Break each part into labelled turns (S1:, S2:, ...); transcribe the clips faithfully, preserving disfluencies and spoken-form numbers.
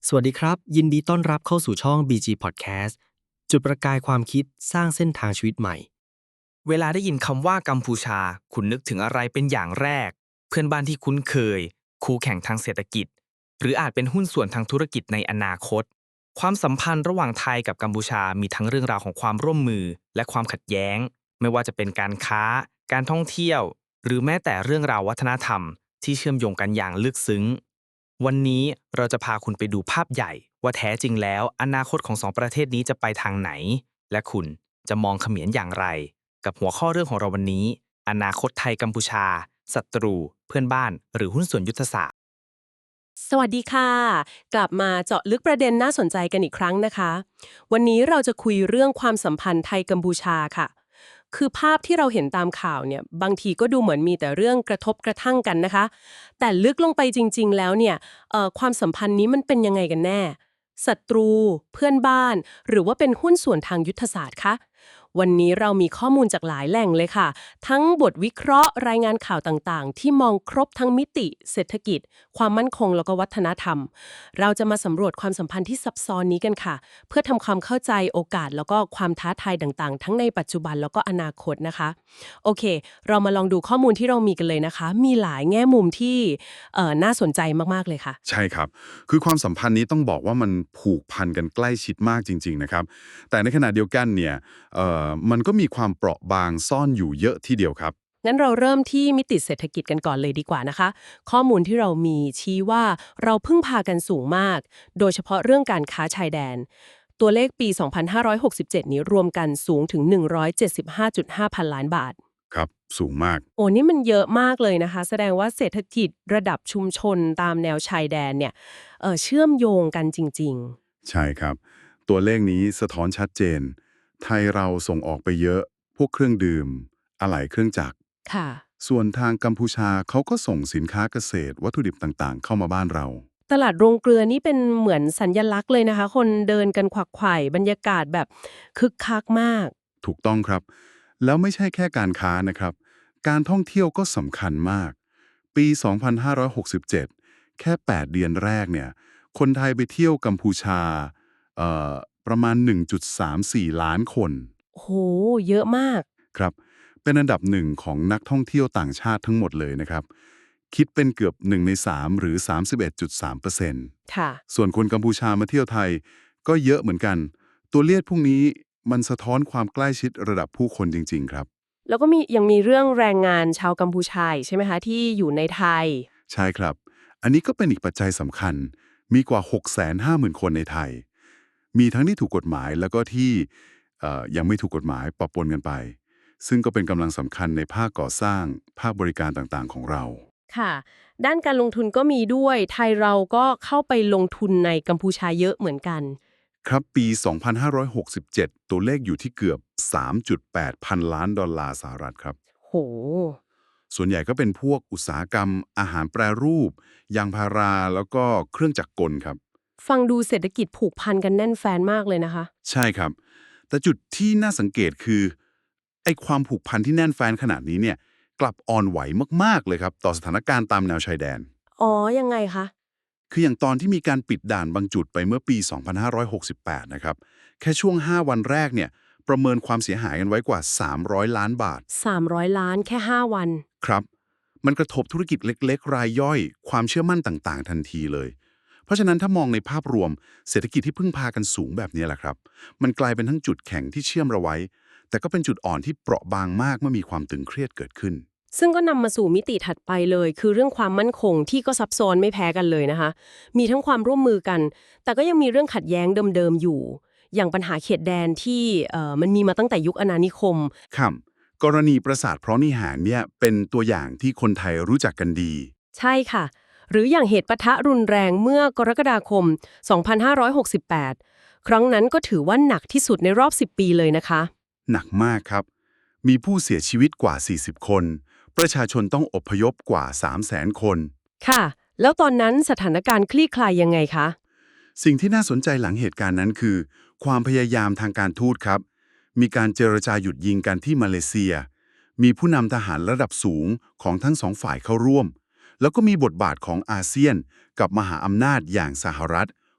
S1: สวัสดีครับยินดีต้อนรับเข้าสู่ช่อง บี จี Podcast จุดประกายความคิดสร้างเส้นทางชีวิตใหม่
S2: เวลาได้ยินคำว่ากัมพูชาคุณนึกถึงอะไรเป็นอย่างแรกเพื่อนบ้านที่คุ้นเคยคู่แข่งทางเศรษฐกิจหรืออาจเป็นหุ้นส่วนทางธุรกิจในอนาคตความสัมพันธ์ระหว่างไทยกับกัมพูชามีทั้งเรื่องราวของความร่วมมือและความขัดแย้งไม่ว่าจะเป็นการค้าการท่องเที่ยวหรือแม้แต่เรื่องราววัฒนธรรมที่เชื่อมโยงกันอย่างลึกซึ้งวันนี้เราจะพาคุณไปดูภาพใหญ่ว่าแท้จริงแล้วอนาคตของสองประเทศนี้จะไปทางไหนและคุณจะมองเขมรอย่างไร กับหัวข้อเรื่องของเราวันนี้อนาคตไทยกัมพูชาศัตรูเพื่อนบ้านหรือหุ้นส่วนยุทธศาสตร์
S3: สวัสดีค่ะกลับมาเจาะลึกประเด็นน่าสนใจกันอีกครั้งนะคะวันนี้เราจะคุยเรื่องความสัมพันธ์ไทยกัมพูชาค่ะคือภาพที่เราเห็นตามข่าวเนี่ยบางทีก็ดูเหมือนมีแต่เรื่องกระทบกระทั่งกันนะคะแต่ลึกลงไปจริงๆแล้วเนี่ยเอ่อความสัมพันธ์นี้มันเป็นยังไงกันแน่ศัตรูเพื่อนบ้านหรือว่าเป็นหุ้นส่วนทางยุทธศาสตร์คะวันนี้เรามีข้อมูลจากหลายแหล่งเลยค่ะทั้งบทวิเคราะห์รายงานข่าวต่างๆที่มองครบทั้งมิติเศรษฐกิจความมั่นคงแล้วก็วัฒนธรรมเราจะมาสำรวจความสัมพันธ์ที่ซับซ้อนนี้กันค่ะเพื่อทำความเข้าใจโอกาสแล้วก็ความท้าทายต่างๆทั้งในปัจจุบันแล้วก็อนาคตนะคะโอเคเรามาลองดูข้อมูลที่เรามีกันเลยนะคะมีหลายแง่มุมที่เอ่อน่าสนใจมากๆเลยค่ะ
S4: ใช่ครับ คือความสัมพันธ์นี้ต้องบอกว่ามันผูกพันกันใกล้ชิดมากจริงๆนะครับ แต่ในขณะเดียวกันเนี่ยเอ่อมันก็มีความเปราะบางซ่อนอยู่เยอะทีเดียวครับ
S3: งั้นเราเริ่มที่มิติเศรษฐกิจกันก่อนเลยดีกว่านะคะข้อมูลที่เรามีชี้ว่าเราพึ่งพากันสูงมากโดยเฉพาะเรื่องการค้าชายแดนตัวเลขปี สองพันห้าร้อยหกสิบเจ็ด นี้รวมกันสูงถึง หนึ่งร้อยเจ็ดสิบห้าจุดห้า พันล้านบาท
S4: ครับ สูงมาก
S3: โอ้นี่มันเยอะมากเลยนะคะแสดงว่าเศรษฐกิจระดับชุมชนตามแนวชายแดนเนี่ยเอ่อเชื่อมโยงกันจริง
S4: ใช่ครับ ตัวเลขนี้สะท้อนชัดเจน ไทยเราส่งออกไปเยอะ พวกเครื่องดื่ม อะไหล่เครื่องจักร
S3: ๆค่ะ
S4: ส่วนทางกัมพูชาเขาก็ส่งสินค้าเกษตรวัตถุดิบต่างๆ เข้ามาบ้านเรา
S3: ตลาดโรงเกลือนี่เป็นเหมือนสัญลักษณ์เลยนะคะคนเดินกันขวักไขว่บรรยากาศแบบคึกคักมาก
S4: ถูกต้องครับ แล้วไม่ใช่แค่การค้านะครับ การท่องเที่ยวก็สำคัญมาก ปี สองพันห้าร้อยหกสิบเจ็ด แค่ แปด เดือนแรกเนี่ย คนไทยไปเที่ยวกัมพูชาเอ่อประมาณ หนึ่งจุดสามสี่ ล้านคน
S3: โอ้โหเยอะมาก
S4: ครับ เป็นอันดับหนึ่งของนักท่องเที่ยวต่างชาติทั้งหมดเลยนะครับ คิดเป็นเกือบหนึ่งในสามหรือ สามสิบเอ็ดจุดสามเปอร์เซ็นต์
S3: ค่ะ
S4: ส่วนคนกัมพูชามาเที่ยวไทยก็เยอะเหมือนกัน ตัวเลขพวกนี้มันสะท้อนความใกล้ชิดระดับผู้คนจริงๆครับ
S3: แล้วก็มียังมีเรื่องแรงงานชาวกัมพูชาอีกใช่ไหมคะที่อยู่ในไทย
S4: ใช่ครับ อันนี้ก็เป็นอีกปัจจัยสำคัญ มีกว่า หกแสนห้าหมื่น คนในไทย มีทั้งที่ถูกกฎหมายแล้วก็ที่เอ่อยังไม่ถูกกฎหมายปะปนกันไป ซึ่งก็เป็นกำลังสำคัญในภาคก่อสร้าง ภาคบริการต่างๆของเรา
S3: ค่ะด้านการลงทุนก็มีด้วยไทยเราก็เข้าไปลงทุนในกัมพูชาเยอะเหมือนกัน
S4: ครับปี สองพันห้าร้อยหกสิบเจ็ด ตัวเลขอยู่ที่เกือบ สามจุดแปด พันล้านดอลลาร์สหรัฐครับ
S3: โห
S4: ส่วนใหญ่ก็เป็นพวกอุตสาหกรรมอาหารแปรรูป ยางพารา แล้วก็เครื่องจักรกลครับ
S3: ฟังดูเศรษฐกิจผูกพันกันแน่นแฟนมากเลยนะคะ
S4: ใช่ครับ แต่จุดที่น่าสังเกตคือไอ้ความผูกพันที่แน่นแฟนขนาดนี้เนี่ยกลับอ่อนไหวมากๆเลยครับต่อสถานการณ์ตามแนวชายแดน
S3: อ๋อยังไงคะ
S4: คืออย่างตอนที่มีการปิดด่านบางจุดไปเมื่อปี สองพันห้าร้อยหกสิบแปด นะครับ แค่ช่วง ห้า วันแรกเนี่ยประเมินความเสียหายกันไว้กว่า สามร้อย ล้านบาท
S3: สามร้อยล้านแค่ห้าวัน
S4: ครับ มันกระทบธุรกิจเล็กๆ รายย่อย ความเชื่อมั่นต่างๆ ทันทีเลย เพราะฉะนั้นถ้ามองในภาพรวมเศรษฐกิจที่พึ่งพากันสูงแบบนี้แหละครับ มันกลายเป็นทั้งจุดแข็งที่เชื่อมเราไว้ แต่ก็เป็นจุดอ่อนที่เปราะบางมากเมื่อมีความตึงเครียดเกิดขึ้น
S3: ซึ่งก็นำมาสู่มิติถัดไปเลย คือเรื่องความมั่นคงที่ก็ซับซ้อนไม่แพ้กันเลยนะคะ มีทั้งความร่วมมือกัน แต่ก็ยังมีเรื่องขัดแย้งเดิมๆอยู่ อย่างปัญหาเขตแดนที่เอ่อมันมีมาตั้งแต่ยุคอาณานิคม
S4: ครับกรณีปราสาทเพราะนิหารเนี่ยเป็นตัวอย่างที่คนไทยรู้จักกันดี
S3: ใช่ค่ะ หรืออย่างเหตุปะทะรุนแรงเมื่อกรกฎาคม สองพันห้าร้อยหกสิบแปด ครั้งนั้นก็ถือว่าหนักที่สุดในรอบ สิบ ปีเลยนะคะ
S4: หนักมากครับ มีผู้เสียชีวิตกว่า สี่สิบ คน ประชาชนต้องอพยพกว่า สามแสน คน
S3: ค่ะ แล้วตอนนั้นสถานการณ์คลี่คลายยังไงคะ
S4: สิ่งที่น่าสนใจหลังเหตุการณ์นั้นคือ ความพยายามทางการทูตครับ มีการเจรจาหยุดยิงกันที่มาเลเซีย มีผู้นำทหารระดับสูงของทั้งสองฝ่ายเข้าร่วม แล้วก็มีบทบาทของอาเซียนกับมหาอำนาจอย่างสหรัฐ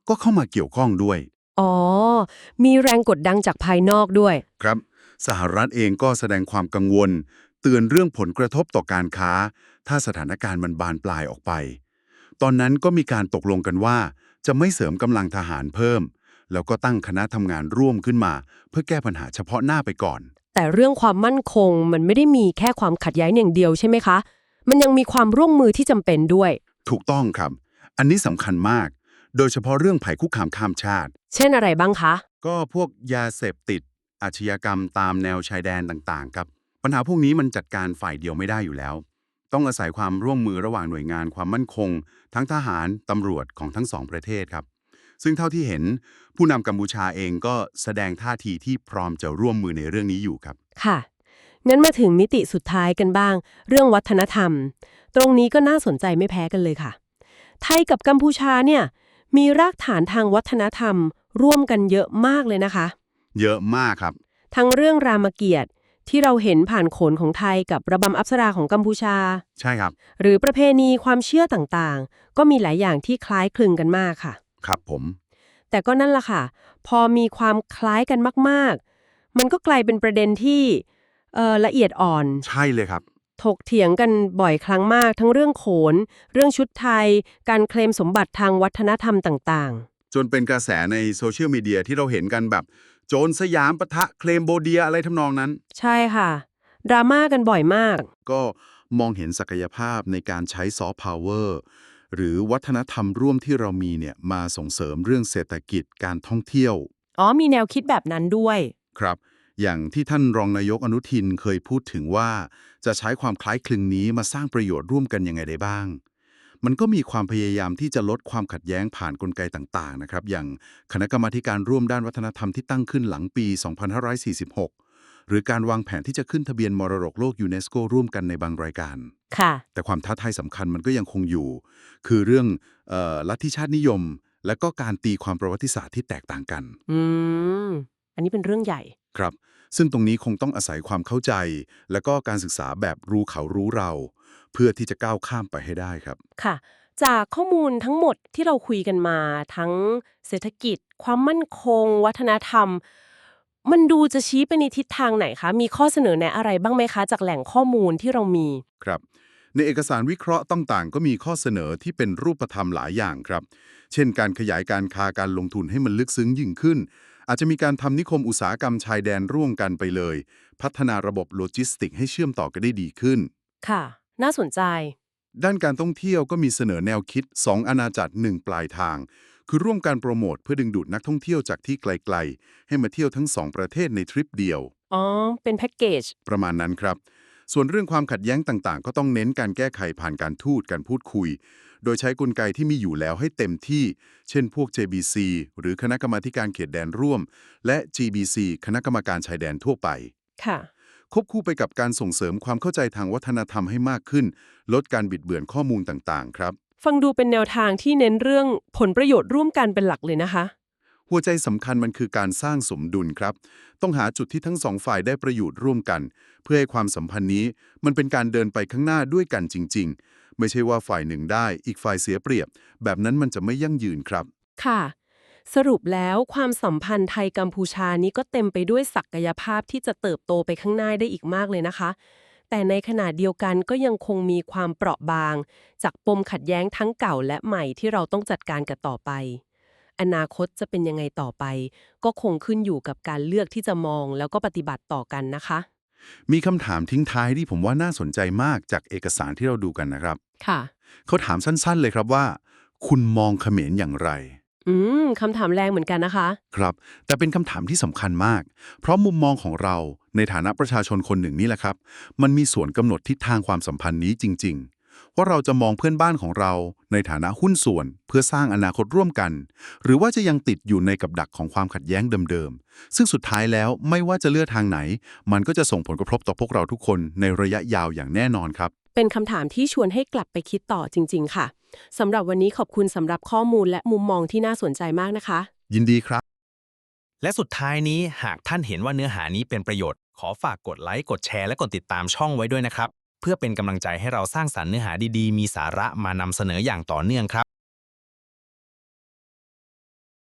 S4: ก็เข้ามาเกี่ยวข้องด้วย
S3: อ๋อ มีแรงกดดันจากภายนอกด้วย
S4: ครับสหรัฐเองก็แสดงความกังวลเตือนเรื่องผลกระทบต่อการค้า ถ้าสถานการณ์มันบานปลายออกไป ตอนนั้นก็มีการตกลงกันว่าจะไม่เสริมกำลังทหารเพิ่ม แล้วก็ตั้งคณะทำงานร่วมขึ้นมา เพื่อแก้ปัญหาเฉพาะหน้าไปก่อน
S3: แต่เรื่องความมั่นคงมันไม่ได้มีแค่ความขัดแย้งอย่างเดียวใช่ไหมคะ มันยังมีความร่วมมือที่จำเป็นด้วย
S4: ถูกต้องครับ อันนี้สำคัญมาก โดยเฉพาะเรื่องภัยคุกคามข้ามชาติ
S3: เช่นอะไรบ้างคะ
S4: ก็พวกยาเสพติด อาชญากรรมตามแนวชายแดนต่างๆครับปัญหาพวกนี้มันจัดการฝ่ายเดียวไม่ได้อยู่แล้ว ต้องอาศัยความร่วมมือระหว่างหน่วยงานความมั่นคง ทั้งทหารตำรวจของทั้งสองประเทศครับ ซึ่งเท่าที่เห็นผู้นำกัมพูชาเองก็แสดงท่าทีที่พร้อมจะร่วมมือในเรื่องนี้อยู่ครับ
S3: ค่ะ งั้นมาถึงมิติสุดท้ายกันบ้าง เรื่องวัฒนธรรม ตรงนี้ก็น่าสนใจไม่แพ้กันเลยค่ะ ไทยกับกัมพูชาเนี่ยมีรากฐานทางวัฒนธรรม ร่วมกันเยอะมากเลยนะคะ
S4: เยอะมากครับ
S3: ทั้งเรื่องรามเกียรติ์ที่เราเห็นผ่านโขนของไทยกับระบำอัปสราของกัมพูชา
S4: ใช่ครับ
S3: หรือประเพณีความเชื่อต่างๆ ก็มีหลายอย่างที่คล้ายคลึงกันมากค่ะ
S4: ครับผม
S3: แต่ก็นั่นล่ะค่ะ พอมีความคล้ายกันมากๆ มันก็กลายเป็นประเด็นที่เอ่อละเอียดอ่อน
S4: ใช่เลยครับ
S3: ถกเถียงกันบ่อยครั้งมาก ทั้งเรื่องโขน เรื่องชุดไทย การเคลมสมบัติทางวัฒนธรรมต่าง
S4: จนเป็นกระแสในโซเชียลมีเดียที่เราเห็นกันแบบโจรสยามปะทะเคลมโบเดียอะไรทำนองนั้น
S3: ๆ ใช่ค่ะ ดราม่ากันบ่อยมาก
S4: ก็มองเห็นศักยภาพในการใช้ซอฟต์พาวเวอร์หรือวัฒนธรรมร่วมที่เรามีเนี่ยมาส่งเสริมเรื่องเศรษฐกิจการท่องเที่ยว
S3: อ๋อ มีแนวคิดแบบนั้นด้วย
S4: ครับ อย่างที่ท่านรองนายกอนุทินเคยพูดถึงว่าจะใช้ความคล้ายคลึงนี้มาสร้างประโยชน์ร่วมกันยังไงได้บ้าง มันก็มีความพยายามที่จะลดความขัดแย้งผ่านกลไกต่างๆนะครับอย่างคณะกรรมาธิการร่วมด้านวัฒนธรรมที่ตั้งขึ้นหลังปี สองพันห้าร้อยสี่สิบหก หรือการวางแผนที่จะขึ้นทะเบียนมรดกโลกยูเนสโกร่วมกันในบางรายการ
S3: ค่ะ
S4: แต่ความท้าทายสำคัญมันก็ยังคงอยู่ คือเรื่องเออลัทธิชาตินิยม และก็การตีความประวัติศาสตร์ที่แตกต่างกัน
S3: อืม อันนี้เป็นเรื่องใหญ่
S4: ครับ ซึ่งตรงนี้คงต้องอาศัยความเข้าใจ และก็การศึกษาแบบรู้เขารู้เรา เพื่อที่จะก้าวข้ามไปให้ได้ครับ
S3: ค่ะ จากข้อมูลทั้งหมดที่เราคุยกันมา ทั้งเศรษฐกิจ ความมั่นคง วัฒนธรรม มันดูจะชี้ไปในทิศทางไหนคะ มีข้อเสนอแนะอะไรบ้างไหมคะ จากแหล่งข้อมูลที่เรามี
S4: ครับ ในเอกสารวิเคราะห์ต่างๆ ก็มีข้อเสนอที่เป็นรูปธรรมหลายอย่างครับ เช่น การขยายการค้าการลงทุนให้มันลึกซึ้งยิ่งขึ้น อาจจะมีการทำนิคมอุตสาหกรรมชายแดนร่วมกันไปเลย พัฒนาระบบโลจิสติกให้เชื่อมต่อกันได้ดีขึ้น
S3: ค่ะ น่าสนใจ
S4: ด้านการท่องเที่ยวก็มีเสนอแนวคิด สอง อาณาจักรหนึ่งปลายทาง คือร่วมการโปรโมทเพื่อดึงดูดนักท่องเที่ยวจากที่ไกลๆ ให้มาเที่ยวทั้งสองประเทศในทริปเดียว
S3: อ๋อ เป็นแพ็กเกจ
S4: ประมาณนั้นครับ ส่วนเรื่องความขัดแย้งต่างๆ ก็ต้องเน้นการแก้ไขผ่านการทูตการพูดคุย โดยใช้กลไกที่มีอยู่แล้วให้เต็มที่ เช่นพวก เจ บี ซี หรือคณะกรรมาธิการเขตแดนร่วม และ จี บี ซี คณะกรรมการชายแดนทั่วไป
S3: ค่ะ
S4: ควบคู่ไปกับการส่งเสริมความเข้าใจทางวัฒนธรรมให้มากขึ้น ลดการบิดเบือนข้อมูลต่างๆ ครับ
S3: ฟังดูเป็นแนวทางที่เน้นเรื่องผลประโยชน์ร่วมกันเป็นหลักเลยนะคะ
S4: หัวใจสำคัญมันคือการสร้างสมดุลครับ ต้องหาจุดที่ทั้งสองฝ่ายได้ประโยชน์ร่วมกัน เพื่อให้ความสัมพันธ์นี้มันเป็นการเดินไปข้างหน้าด้วยกันจริงๆ ไม่ใช่ว่าฝ่ายหนึ่งได้อีกฝ่ายเสียเปรียบ แบบนั้นมันจะไม่ยั่งยืนครับ
S3: ค่ะ สรุปแล้วความสัมพันธ์ไทยกัมพูชานี้ก็เต็มไปด้วยศักยภาพที่จะเติบโตไปข้างหน้าได้อีกมากเลยนะคะ แต่ในขณะเดียวกันก็ยังคงมีความเปราะบาง จากปมขัดแย้งทั้งเก่าและใหม่ที่เราต้องจัดการกันต่อไป อนาคตจะเป็นยังไงต่อไป ก็คงขึ้นอยู่กับการเลือกที่จะมองแล้วก็ปฏิบัติต่อกันนะคะ
S4: มีคำถามทิ้งท้ายที่ผมว่าน่าสนใจมากจากเอกสารที่เราดูกันนะครับ
S3: ค่ะ
S4: เขาถามสั้นๆเลยครับว่า คุณมองเขมรอย่างไร
S3: อืมคำถามแรงเหมือนกันนะคะ
S4: ครับ แต่เป็นคำถามที่สำคัญมาก เพราะมุมมองของเราในฐานะประชาชนคนหนึ่งนี่แหละครับ มันมีส่วนกำหนดทิศทางความสัมพันธ์นี้จริงๆ ว่าเราจะมองเพื่อนบ้านของเราในฐานะหุ้นส่วนเพื่อสร้างอนาคตร่วมกัน หรือว่าจะยังติดอยู่ในกับดักของความขัดแย้งเดิมๆ ซึ่งสุดท้ายแล้วไม่ว่าจะเลือกทางไหน มันก็จะส่งผลกระทบต่อพวกเราทุกคนในระยะยาวอย่างแน่นอนครับ
S3: เป็นคำถามที่ชวนให้กลับไปคิดต่อจริงๆค่ะ สำหรับวันนี้ขอบคุณสำหรับข้อมูลและมุมมองที่น่าสนใจมากนะคะ
S4: ยินดีครับ
S2: และสุดท้ายนี้หากท่านเห็นว่าเนื้อหานี้เป็นประโยชน์ ขอฝากกดไลค์กดแชร์และกดติดตามช่องไว้ด้วยนะครับ เพื่อเป็นกำลังใจให้เราสร้างสรรค์เนื้อหาดีๆ มีสาระมานำเสนออย่างต่อเนื่องครับ